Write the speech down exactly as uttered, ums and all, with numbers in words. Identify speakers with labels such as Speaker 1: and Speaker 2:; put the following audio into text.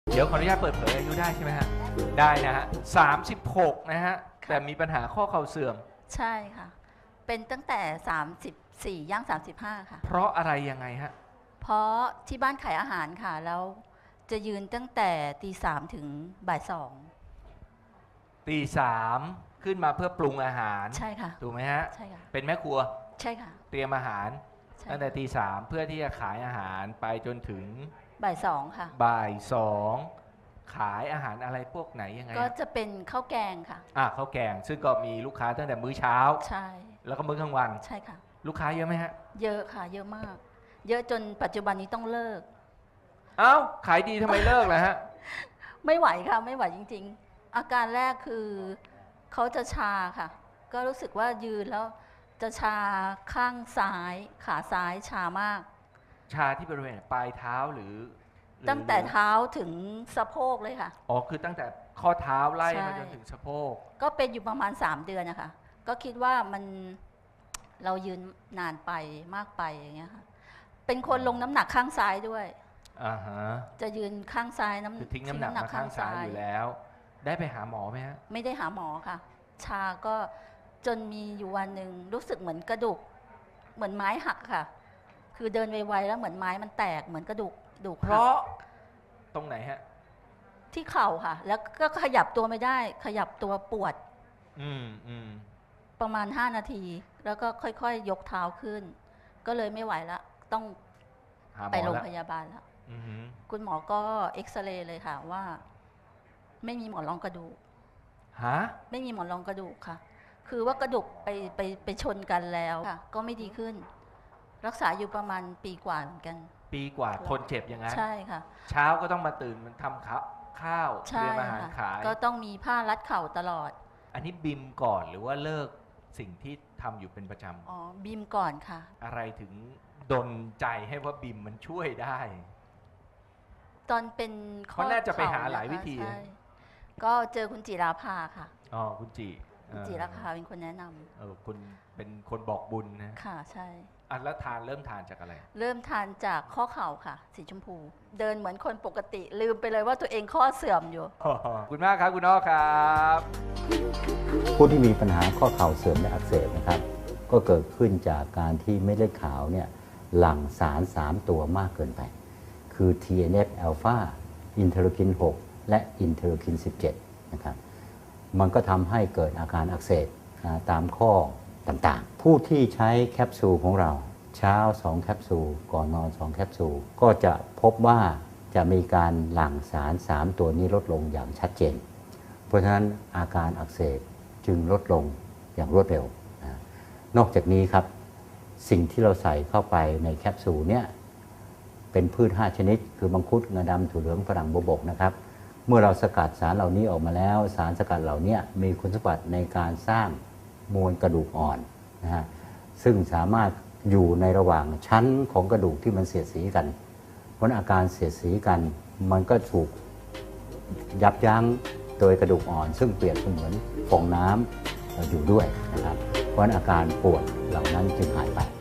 Speaker 1: เดี๋ยวขออนุญาตเปิดเผยอายุได้ใช่ไหมฮะได้นะฮะสามสิบหกนะฮะแต่มีปัญหาข้อเข่าเสื่อม
Speaker 2: ใช่ค่ะเป็นตั้งแต่สามสิบสี่ย่างสามสิบห้าค่ะ
Speaker 1: เพราะอะไรยังไงฮะ
Speaker 2: เพราะที่บ้านขายอาหารค่ะแล้วจะยืนตั้งแต่ตีสามถึงบ่ายสอง
Speaker 1: ตีสามขึ้นมาเพื่อปรุงอาหาร
Speaker 2: ใช่ค่ะ
Speaker 1: ถูกไหมฮะ
Speaker 2: ใช่ค่ะ
Speaker 1: เป็นแม่ครัว
Speaker 2: ใช่ค่ะ
Speaker 1: เตรียมอาหารตั้งแต่ตีสามเพื่อที่จะขายอาหารไปจนถึง
Speaker 2: บ่ายสองค่ะ
Speaker 1: บ่ายสองขายอาหารอะไรพวกไหนยังไง
Speaker 2: ก็จะเป็นข้าวแกงค่ะ
Speaker 1: อ่ะข้าวแกงซึ่งก็มีลูกค้าตั้งแต่มื้อเช้า
Speaker 2: ใช่
Speaker 1: แล้วก็มื้อกลางวัน
Speaker 2: ใช่ค่ะ
Speaker 1: ลูกค้าเยอะไหมฮะ
Speaker 2: เยอะค่ะเยอะมาก เยอะจนปัจจุบันนี้ต้องเลิก
Speaker 1: เอ้าขายดีทำไมเลิกล่ะฮะ
Speaker 2: ไม่ไหวค่ะไม่ไหวจริงๆอาการแรกคือเขาจะชาค่ะก็รู้สึกว่ายืนแล้วจะชาข้างซ้ายขาซ้ายชามาก
Speaker 1: ชาที่บริเวณปลายเท้าหรือ
Speaker 2: ตั้งแต่เท้าถึงสะโพกเลยค่ะ
Speaker 1: อ๋อคือตั้งแต่ข้อเท้าไล่มาจนถึงสะโพก
Speaker 2: ก็เป็นอยู่ประมาณสามเดือนนะคะก็คิดว่ามันเรายืนนานไปมากไปอย่างเงี้ยค่ะเป็นคนลงน้ำหนักข้างซ้ายด้วย
Speaker 1: อ่าฮะ
Speaker 2: จะยืนข้างซ้ายน้ำ
Speaker 1: คือทิ้งน้ำหนักมาข้างซ้ายอยู่แล้วได้ไปหาหมอไหมฮะ
Speaker 2: ไม่ได้หาหมอค่ะชาก็จนมีอยู่วันหนึ่งรู้สึกเหมือนกระดูกเหมือนไม้หักค่ะคือเดินไวๆแล้วเหมือนไม้มันแตกเหมือนกระดูกดูก
Speaker 1: เพราะตรงไหนฮะ
Speaker 2: ที่เข่าค่ะแล้วก็ขยับตัวไม่ได้ขยับตัวปวด
Speaker 1: อืมอืม
Speaker 2: ประมาณห้านาทีแล้วก็ค่อยๆ ย, ยกเท้าขึ้นก็เลยไม่ไหวแล้วต้องไปโรงพยาบาลแล้วคุณหมอก็เอ็กซเรย์เลยค่ะว่าไม่มีหมอนรองกระดูก
Speaker 1: ฮะ
Speaker 2: ไม่มีหมอนรองกระดูกค่ะคือว่ากระดูกไปไปไปชนกันแล้วค่ะก็ไม่ดีขึ้นรักษาอยู่ประมาณปีกว่าเหมือนกัน
Speaker 1: ปีกว่าทนเจ็บอย่างนั้น
Speaker 2: ใช่ค่ะ
Speaker 1: เช้าก็ต้องมาตื่นมันทำข้าวข้าวเตรียมอาหารขาย
Speaker 2: ก็ต้องมีผ้ารัดเข่าตลอด
Speaker 1: อันนี้บิมก่อนหรือว่าเลิกสิ่งที่ทำอยู่เป็นประจำ
Speaker 2: อ๋อบิมก่อนค่ะ
Speaker 1: อะไรถึงดลใจให้ว่าบิมมันช่วยได้
Speaker 2: ตอนเป็น
Speaker 1: ข้อน่าจะไปหาหลายวิธี
Speaker 2: ก็เจอคุณจิราภาค่ะ
Speaker 1: อ๋อคุณจิ
Speaker 2: คุณจิราภาเป็นคนแนะนำ
Speaker 1: เออคุณเป็นคนบอกบุญนะ
Speaker 2: ค่ะใช่
Speaker 1: อ่ะแล้วทานเริ่มทานจากอะไร
Speaker 2: เริ่มทานจากข้อเข่าค่ะสีชมพูเดินเหมือนคนปกติลืมไปเลยว่าตัวเองข้อเสื่อมอยู่
Speaker 1: คุณมากครับคุณน้อครับ
Speaker 3: ผู้ที่มีปัญหาข้อเข่าเสื่อมและอักเสบนะครับก็เกิดขึ้นจากการที่เม็ดเลือดขาวเนี่ยหลั่งสารสามตัวมากเกินไปคือ ที เอ็น เอฟ อลฟา อินเทอร์คิน หก และอินเทอร์คิน สิบเจ็ด นะครับมันก็ทำให้เกิดอาการอักเสบตามข้อต่างๆผู้ที่ใช้แคปซูลของเราเช้าสองแคปซูลก่อนนอนสองแคปซูลก็จะพบว่าจะมีการหลั่งสารสามตัวนี้ลดลงอย่างชัดเจนเพราะฉะนั้นอาการอักเสบจึงลดลงอย่างรวดเร็วนะนอกจากนี้ครับสิ่งที่เราใส่เข้าไปในแคปซูลเนี่ยเป็นพืชห้าชนิดคือมังคุดงาดำถั่วเหลืองฝรั่งบวบกนะครับเมื่อเราสกัดสารเหล่านี้ออกมาแล้วสารสกัดเหล่านี้มีคุณสมบัติในการสร้างมวลกระดูกอ่อนนะฮะซึ่งสามารถอยู่ในระหว่างชั้นของกระดูกที่มันเสียดสีกันเพราะอาการเสียดสีกันมันก็ถูกยับยั้งโดยกระดูกอ่อนซึ่งเปรียบเสมือนฟองน้ำอยู่ด้วยนะครับเพราะอาการปวดเหล่านั้นจึงหายไป